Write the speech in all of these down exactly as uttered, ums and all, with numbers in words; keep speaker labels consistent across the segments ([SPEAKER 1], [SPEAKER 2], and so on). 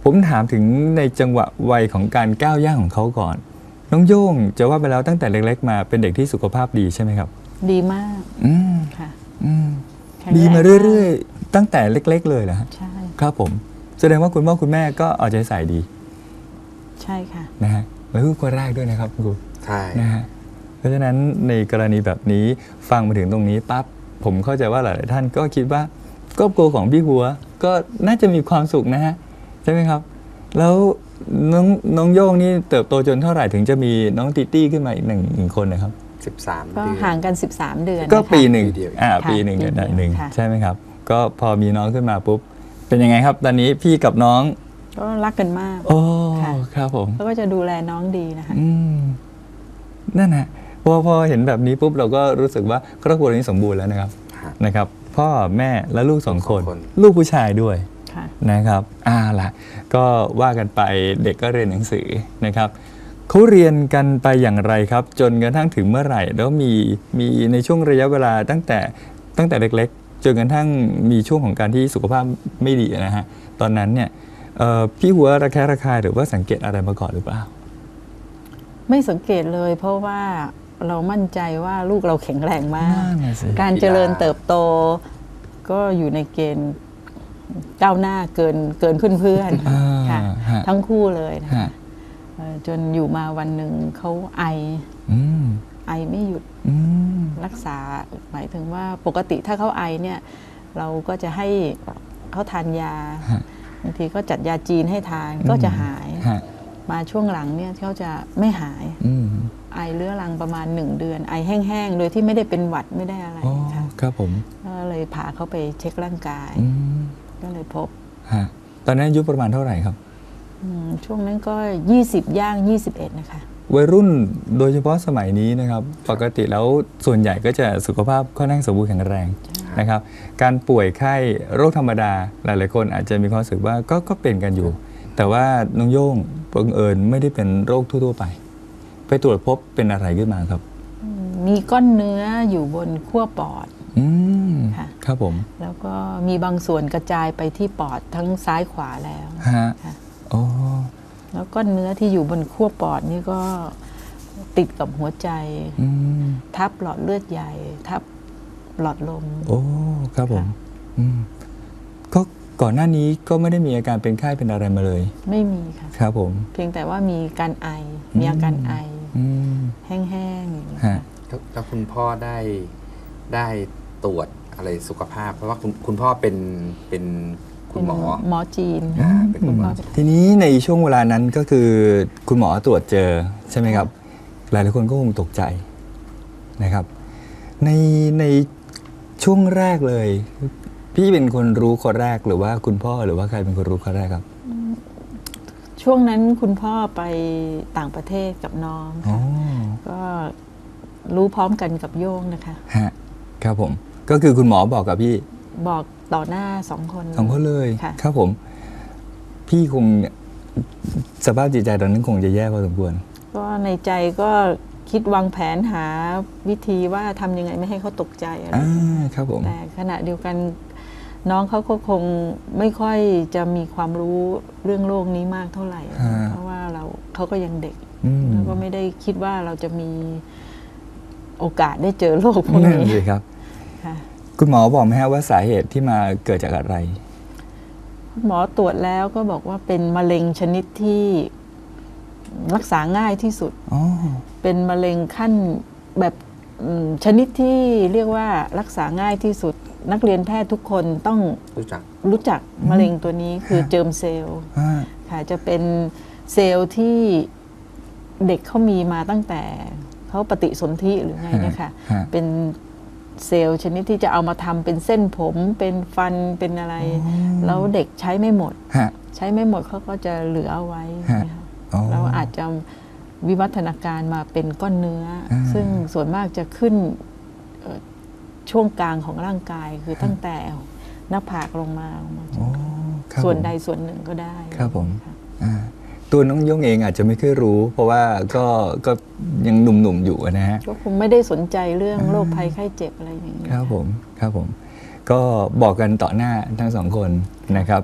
[SPEAKER 1] ผมถามถึงในจังหวะวัยของการก้าวย่างของเขาก่อนน้องโย่งจะว่าไปแล้วตั้งแต่เล็กๆมาเป็นเด็กที่สุขภาพดีใช่ไหมครับ
[SPEAKER 2] ดีมาก
[SPEAKER 1] อืม
[SPEAKER 2] ค่ะ
[SPEAKER 1] อืมดีมาเรื่อยๆตั้งแต่เล็กๆเลยเหรอฮะ
[SPEAKER 2] ใช่
[SPEAKER 1] ครับผมแสดงว่าคุณพ่อคุณแม่ก็เอาใจใส่ดี
[SPEAKER 2] ใช่ค่ะ
[SPEAKER 1] นะฮะแล้วลูกคนแรกด้วยนะครับคุณครู
[SPEAKER 3] ใช่
[SPEAKER 1] นะฮะเพราะฉะนั้นในกรณีแบบนี้ฟังมาถึงตรงนี้ปั๊บผมเข้าใจว่าหลายๆท่านก็คิดว่าครอบครัวของพี่หัวก็น่าจะมีความสุขนะฮะใช่ไหมครับแล้วน้องน้องโย่งนี่เติบโตจนเท่าไหร่ถึงจะมีน้องติตี้ขึ้นมาอีกหนึ่งหนึ่งคนนะครับ
[SPEAKER 3] สิบสาม
[SPEAKER 2] ก็ห่างกันสิบสามเดือน
[SPEAKER 1] ก็ปีหนึ่ง
[SPEAKER 3] เดียว
[SPEAKER 1] อ่าปีหนึ่งกันหนึ่งใช่ไหมครับก็พอมีน้องขึ้นมาปุ๊บเป็นยังไงครับตอนนี้พี่กับน้อง
[SPEAKER 2] ก็รักกันมาก
[SPEAKER 1] โอ้ครับผม
[SPEAKER 2] เขาก็จะดูแลน้องดีนะคะ
[SPEAKER 1] อืมนั่นนะพอพอเห็นแบบนี้ปุ๊บเราก็รู้สึกว่าครอบครัวนี้สมบูรณ์แล้วนะครับนะครับพ่อแม่และลูกสองคนลูกผู้ชายด้วยนะครับอ่าล่ะก็ว่ากันไปเด็กก็เรียนหนังสือนะครับเขาเรียนกันไปอย่างไรครับจนกระทั่งถึงเมื่อไหร่แล้วมีมีในช่วงระยะเวลาตั้งแต่ตั้งแต่เล็กๆจนกระทั่งมีช่วงของการที่สุขภาพไม่ดีนะฮะตอนนั้นเนี่ยพี่หัวระแคะระคายหรือว่าสังเกตอะไรมาก่อนหรือเปล่า
[SPEAKER 2] ไม่สังเกตเลยเพราะว่าเรามั่นใจว่าลูกเราแข็งแรงมากการเจริญเติบโตก็อยู่ในเกณฑ์ก้าวหน้าเกินเกินเพื่อนๆค่ะทั้งคู่เลยนะคะจนอยู่มาวันหนึ่งเขาไอไอไม่หยุดรักษาหมายถึงว่าปกติถ้าเขาไอเนี่ยเราก็จะให้เขาทานยาบางทีก็จัดยาจีนให้ทานก็จะหายมาช่วงหลังเนี่ยเขาจะไม่หายไอเรื้อรังประมาณหนึ่งเดือนไอแห้งๆโดยที่ไม่ได้เป็นหวัดไม่ได้อะไรค่ะ
[SPEAKER 1] ครับผม
[SPEAKER 2] ก็เลยพาเขาไปเช็คร่างกายก็เลยพบ
[SPEAKER 1] ตอนนั้นอายุประมาณเท่าไหร่ครับ
[SPEAKER 2] ช่วงนั้นก็ยี่สิบย่างยี่สิบเอ็ดนะคะ
[SPEAKER 1] วัยรุ่นโดยเฉพาะสมัยนี้นะครับปกติแล้วส่วนใหญ่ก็จะสุขภาพค่อนข้างสมบูรณ์แข็งแรงนะครับการป่วยไข้โรคธรรมดาหลายๆคนอาจจะมีความรู้สึกว่าก็ก็เป็นกันอยู่แต่ว่าน้องโย่งบังเอิญไม่ได้เป็นโรคทั่วๆไปไปตรวจพบเป็นอะไรขึ้นมาครับ
[SPEAKER 2] มีก้อนเนื้ออยู่บนขั้วปอด
[SPEAKER 1] ค่ะครับผม
[SPEAKER 2] แล้วก็มีบางส่วนกระจายไปที่ปอดทั้งซ้ายขวาแล้ว
[SPEAKER 1] ฮะโอ้
[SPEAKER 2] แล้วก้อนเนื้อที่อยู่บนขั้วปอดนี่ก็ติดกับหัวใจทับหลอดเลือดใหญ่ทับหลอดลม
[SPEAKER 1] โอ้ครับผมก็ก่อนหน้านี้ก็ไม่ได้มีอาการเป็นไข้เป็นอะไรมาเลย
[SPEAKER 2] ไม่มีค่ะ
[SPEAKER 1] ครับผม
[SPEAKER 2] เพียงแต่ว่ามีการไอมีอาการไอแห้งๆอย่างนี้ค่ะ
[SPEAKER 3] แล้วคุณพ่อได้ได้ตรวจอะไรสุขภาพเพราะว่าคุณคุณพ่อเป็นเป็นคุณหมอ
[SPEAKER 2] หมอจีน
[SPEAKER 3] เป็นคุณหมอ
[SPEAKER 1] ทีนี้ในช่วงเวลานั้นก็คือคุณหมอตรวจเจอใช่ไหมครับหลายหลายคนก็คงตกใจนะครับในในช่วงแรกเลยพี่เป็นคนรู้คนแรกหรือว่าคุณพ่อหรือว่าใครเป็นคนรู้คนแรกครับ
[SPEAKER 2] ช่วงนั้นคุณพ่อไปต่างประเทศกับน้องก็รู้พร้อมกันกับโย่งนะคะ
[SPEAKER 1] ฮะครับผมก็คือคุณหมอบอกกับพี่
[SPEAKER 2] บอกต่อหน้าสองคน
[SPEAKER 1] สองคนเลยครับผมพี่คงสภาพจิตใจตอนนั้นคงจะแย่พอสมควร
[SPEAKER 2] ก็ในใจก็คิดวางแผนหาวิธีว่าทำยังไงไม่ให้เขาตกใจอะไร
[SPEAKER 1] ครับผม
[SPEAKER 2] แต่ขณะเดียวกันน้องเขาก็คงไม่ค่อยจะมีความรู้เรื่องโลกนี้มากเท่าไหร่เพราะว่าเราเขาก็ยังเด็กแล้วก็ไม่ได้คิดว่าเราจะมีโอกาสได้เจอโลกพวกนี้
[SPEAKER 1] เลยครับคุณหมอบอกไหมฮะว่าสาเหตุที่มาเกิดจากอะไร
[SPEAKER 2] หมอตรวจแล้วก็บอกว่าเป็นมะเร็งชนิดที่รักษาง่ายที่สุดเป็นมะเร็งขั้นแบบชนิดที่เรียกว่ารักษาง่ายที่สุดนักเรียนแพทย์ทุกคนต้อง
[SPEAKER 3] รู้จัก
[SPEAKER 2] รู้จักมะเร็งตัวนี้คือเจิมเซลล์ค่ะจะเป็นเซลล์ที่เด็กเขามีมาตั้งแต่เขาปฏิสนธิหรือไงนะคะเป็นเซลล์ชนิดที่จะเอามาทำเป็นเส้นผมเป็นฟันเป็นอะไรแล้วเด็กใช้ไม่หมดใช้ไม่หมดเขาก็จะเหลือเอาไว้แล้วอาจจะวิวัฒนาการมาเป็นก้อนเนื้อซึ่งส่วนมากจะขึ้นช่วงกลางของร่างกายคือตั้งแต่หน้าผากลงมาส่วนใดส่วนหนึ่งก็ได้
[SPEAKER 1] ครับผมตัวน้องย่งเองอาจจะไม่เคยรู้เพราะว่าก็ก็ยังหนุ่มๆอยู่นะฮะ
[SPEAKER 2] ก็คงไม่ได้สนใจเรื่องโรคภัยไข้เจ็บอะไรอย่างนี้
[SPEAKER 1] ครับผมครับผมก็บอกกันต่อหน้าทั้งสองคนนะครับ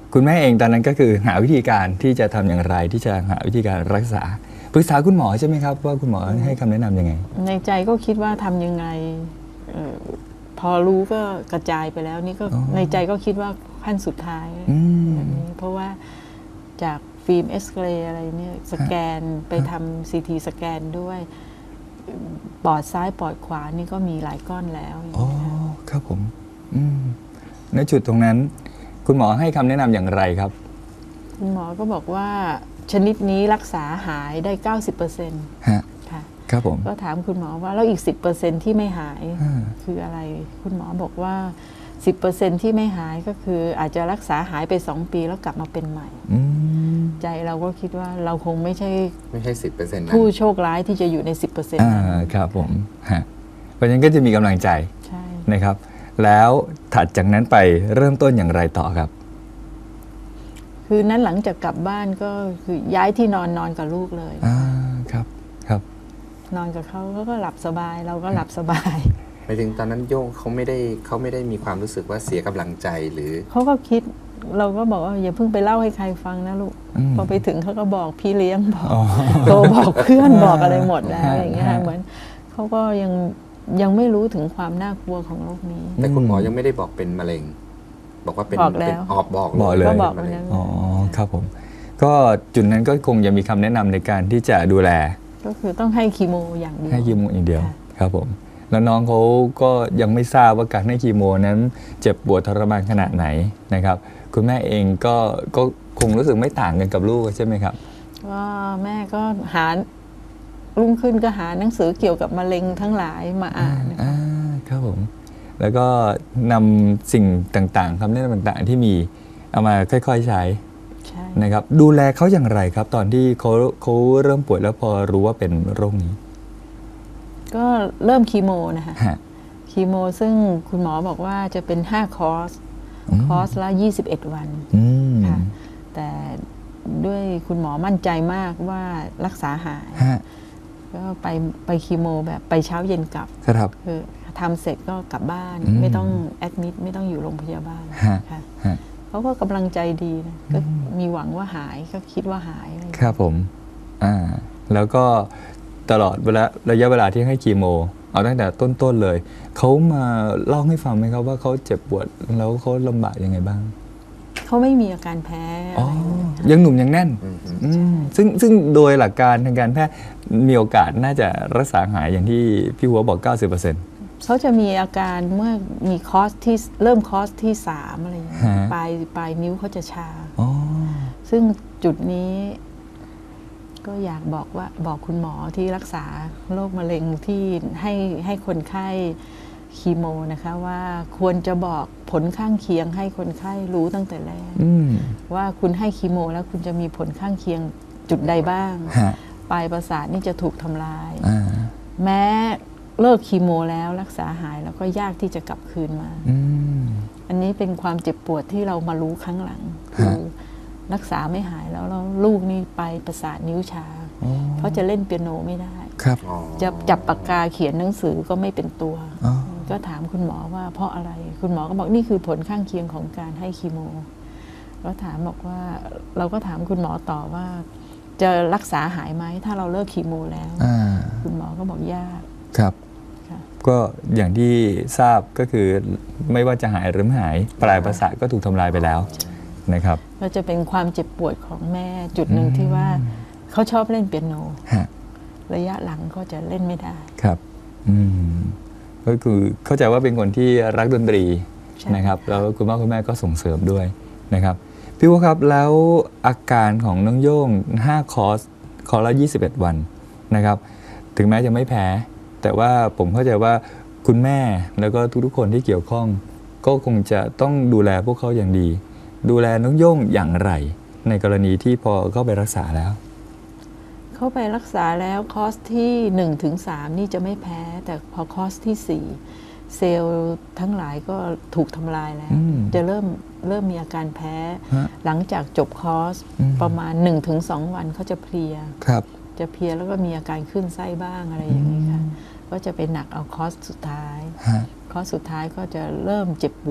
[SPEAKER 1] คุณแม่เองตอนนั้นก็คือหาวิธีการที่จะทำอย่างไรที่จะหาวิธีการรักษาปรึกษาคุณหมอใช่ไหมครับว่าคุณหมอให้คำแนะนำยังไง
[SPEAKER 2] ในใจก็คิดว่าทำยังไงออพอรู้ก็กระจายไปแล้วนี่ก็ในใจก็คิดว่าขั้นสุดท้ายแบบนี้เพราะว่าจากฟิล์มเอ็กซเรย์อะไรเนี่ยสแกนไปทำซีทีสแกนด้วยปอดซ้ายปอดขวานี่ก็มีหลายก้อนแล้ว
[SPEAKER 1] อ๋อครับผมในจุดตรงนั้นคุณหมอให้คำแนะนำอย่างไรครับ
[SPEAKER 2] คุณหมอก็บอกว่าชนิดนี้รักษาหายได้ เก้าสิบเปอร์เซ็นต์
[SPEAKER 1] ฮะ
[SPEAKER 2] ค่ะ
[SPEAKER 1] ครับผม
[SPEAKER 2] ก็ถามคุณหมอว่าแล้วอีก สิบเปอร์เซ็นต์ ที่ไม่หายคืออะไรคุณหมอบอกว่า สิบเปอร์เซ็นต์ ที่ไม่หายก็คืออาจจะรักษาหายไปสองปีแล้วกลับมาเป็นใหม่ใจเราก็คิดว่าเราคงไม่ใช่
[SPEAKER 3] ไม่ใช่ สิบเปอร์เซ็นต์
[SPEAKER 2] ผู้โชคร้ายที่จะอยู่ใน สิบเปอร์เซ็นต์
[SPEAKER 1] นั้นครับผมฮะเพราะฉะนั้นก็จะมีกำลังใจ
[SPEAKER 2] ใช่
[SPEAKER 1] นะครับแล้วถัดจากนั้นไปเริ่มต้นอย่างไรต่อครับ
[SPEAKER 2] คือนั้นหลังจากกลับบ้านก็คือย้ายที่นอนนอนกับลูกเลย
[SPEAKER 1] อ่าครับครับ
[SPEAKER 2] นอนกับเขาเขาก็หลับสบายเราก็หลับสบาย
[SPEAKER 3] หมายถึงตอนนั้นโย่งเขาไม่ได้เขาไม่ได้มีความรู้สึกว่าเสียกำลังใจหรือ
[SPEAKER 2] เขาก็คิดเราก็บอกว่าอย่าเพิ่งไปเล่าให้ใครฟังนะลูกพอไปถึงเขาก็บอกพี่เลี้ยงบอกโตบอกเพื่อนบอกอะไรหมดแล้วอย่างเงี้ยเหมือนเขาก็ยังยังไม่รู้ถึงความน่ากลัวของโรคนี้
[SPEAKER 3] แต่คุณหมอยังไม่ได้บอกเป็นมะเร็งบอกว่าเป็น
[SPEAKER 2] บอกแล้ว
[SPEAKER 3] ออกบอก
[SPEAKER 1] บอกเลย
[SPEAKER 2] ก็บอกแล้ว
[SPEAKER 1] อ๋อครับผมก็จุดนั้นก็คงจะมีคำแนะนำในการที่จะดูแล
[SPEAKER 2] ก็คือต้องให้คีโมอย่างเดียว
[SPEAKER 1] ให้คีโมอย่างเดียวครับผมแล้วน้องเขาก็ยังไม่ทราบว่าการให้คีโมนั้นเจ็บปวดทรมานขนาดไหนนะครับคุณแม่เองก็ก็คงรู้สึกไม่ต่างกันกับลูกใช่ไหมครับ
[SPEAKER 2] ก็แม่ก็หารุ่งขึ้นก็หาหนังสือเกี่ยวกับมะเร็งทั้งหลายมาอ่าน
[SPEAKER 1] อ่าครับผมแล้วก็นำสิ่งต่างๆคำแนะนำต่างๆที่มีเอามาค่อยๆใช้นะครับดูแลเขาอย่างไรครับตอนที่เขาเขาเริ่มป่วยแล้วพอรู้ว่าเป็นโรคนี้
[SPEAKER 2] ก็เริ่มคีโมนะคะคีโมซึ่งคุณหมอบอกว่าจะเป็นห้าคอร์สคอร์สละยี่สิบเอ็ดวันค่ะแต่ด้วยคุณหมอมั่นใจมากว่ารักษาหายก็ไปไปคีโมแบบไปเช้าเย็นกลับ
[SPEAKER 1] ครับ
[SPEAKER 2] คือทำเสร็จก็กลับบ้านไม่ต้องแอดมิดไม่ต้องอยู่โรงพยาบาลค่ะเขาก็กำลังใจดีนะก็มีหวังว่าหายก็คิดว่าหาย
[SPEAKER 1] ครับผมอ่าแล้วก็ตลอดเวลาระยะเวลาที่ให้คีโมเอาตั้งแต่ต้นๆเลยเขามาเล่าให้ฟังไหมครับว่าเขาเจ็บปวดแล้วเขาลำบากยังไงบ้าง
[SPEAKER 2] เขาไม่มีอาการแพ้
[SPEAKER 1] อ๋อยังหนุ่มยังแน่นซึ่งซึ่งโดยหลักการทางการแพทย์มีโอกาสน่าจะรักษาหายอย่างที่พี่หัวบอก เก้าสิบเปอร์เซ็นต์
[SPEAKER 2] เขาจะมีอาการเมื่อมีคอร์สที่เริ่มคอร์สที่สามอะไรอย่างเงี้ยปลายปลายนิ้วเขาจะชาซึ่งจุดนี้ก็อยากบอกว่าบอกคุณหมอที่รักษาโรคมะเร็งที่ให้ให้คนไข้คีโมนะคะว่าควรจะบอกผลข้างเคียงให้คนไข้รู้ตั้งแต่แรกว่าคุณให้คีโมแล้วคุณจะมีผลข้างเคียงจุดใดบ้างปลายประสาทนี่จะถูกทำลายแม้เลิกคีโมแล้วรักษาหายแล้วก็ยากที่จะกลับคืนมาอันนี้เป็นความเจ็บปวดที่เรามารู้ครั้งหลังคือรักษาไม่หายแล้วแล้วลูกนี่ไปประสาทนิ้วชาเพราะจะเล่นเปียโนไม่ได้จะจับปากกาเขียนหนังสือก็ไม่เป็นตัวก็ถามคุณหมอว่าเพราะอะไรคุณหมอก็บอกนี่คือผลข้างเคียงของการให้คีโมแล้วถามบอกว่าเราก็ถามคุณหมอต่อว่าจะรักษาหายไหมถ้าเราเลิกคีโมแล้วคุณหมอก็บอกยาก
[SPEAKER 1] ครับก็อย่างที่ทราบก็คือไม่ว่าจะหายหรือไม่หายปลายประสาทก็ถูกทำลายไปแล้วนะครับ
[SPEAKER 2] ก็จะเป็นความเจ็บปวดของแม่จุดหนึ่งที่ว่าเขาชอบเล่นเปียโนระยะหลังก็จะเล่นไม่ได้
[SPEAKER 1] ครับอืมก็คือเข้าใจว่าเป็นคนที่รักดนตรีนะครับแล้วคุณพ่อคุณแม่ก็ส่งเสริมด้วยนะครับพี่ว่าครับแล้วอาการของน้องโย่งห้าคอร์สคอร์สละยี่สิบเอ็ดวันนะครับถึงแม้จะไม่แพ้แต่ว่าผมเข้าใจว่าคุณแม่แล้วก็ทุกๆคนที่เกี่ยวข้องก็คงจะต้องดูแลพวกเขาอย่างดีดูแลน้องโย่งอย่างไรในกรณีที่พอเข้าไปรักษาแล้ว
[SPEAKER 2] เข้าไปรักษาแล้วคอร์สที่หนึ่งถึงสามนี่จะไม่แพ้แต่พอคอร์สที่สี่เซลล์ทั้งหลายก็ถูกทำลายแล้วจะเริ่มเริ่มมีอาการแพ้หลังจากจบคอร์สประมาณ หนึ่งถึงสอง วันเขาจะเพลียจะเพลียแล้วก็มีอาการขึ้นไส้บ้างอะไรอย่างนี้ค่ะก็จะไปหนักเอาคอร์สสุดท้ายคอร์สสุดท้ายก็จะเริ่มเจ็บปวด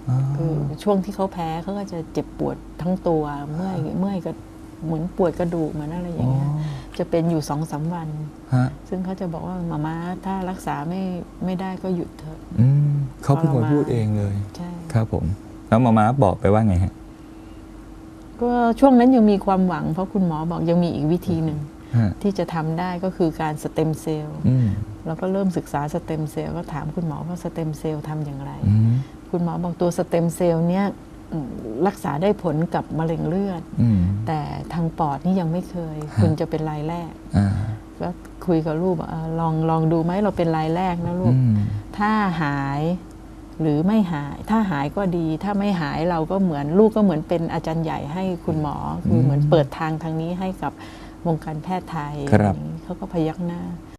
[SPEAKER 2] คือช่วงที่เขาแพ้เขาก็จะเจ็บปวดทั้งตัวเมื่อยเมื่อยก็เหมือนปวดกระดูกเหมือนอะไรอย่างเงี้ยจะเป็นอยู่สองสามวันซึ่งเขาจะบอกว่ามาม่าถ้ารักษาไม่ไม่ได้ก็หยุดเถอะ
[SPEAKER 1] เขาเป็นคนพูดเองเลย
[SPEAKER 2] ใช่
[SPEAKER 1] ครับผมแล้วมาม่าบอกไปว่าไงฮะ
[SPEAKER 2] ก็ช่วงนั้นยังมีความหวังเพราะคุณหมอบอกยังมีอีกวิธีหนึ่งที่จะทำได้ก็คือการสเต็มเซลล์แล้วก็เริ่มศึกษาสเต็มเซลล์ก็ถามคุณหมอว่าสเต็มเซลล์ทำอย่างไรคุณหมอบอกตัวสเต็มเซลล์เนี้ยรักษาได้ผลกับมะเร็งเลือดแต่ทางปอดนี่ยังไม่เคยคุณจะเป็นรายแรกก็คุยกับลูกลองลองดูไหมเราเป็นรายแรกนะลูกถ้าหายหรือไม่หายถ้าหายก็ดีถ้าไม่หายเราก็เหมือนลูกก็เหมือนเป็นอาจารย์ใหญ่ให้คุณหมอคือเหมือนเปิดทางทางนี้ให้กับวงการแพทย์ไทยเขาก็พยักหน้า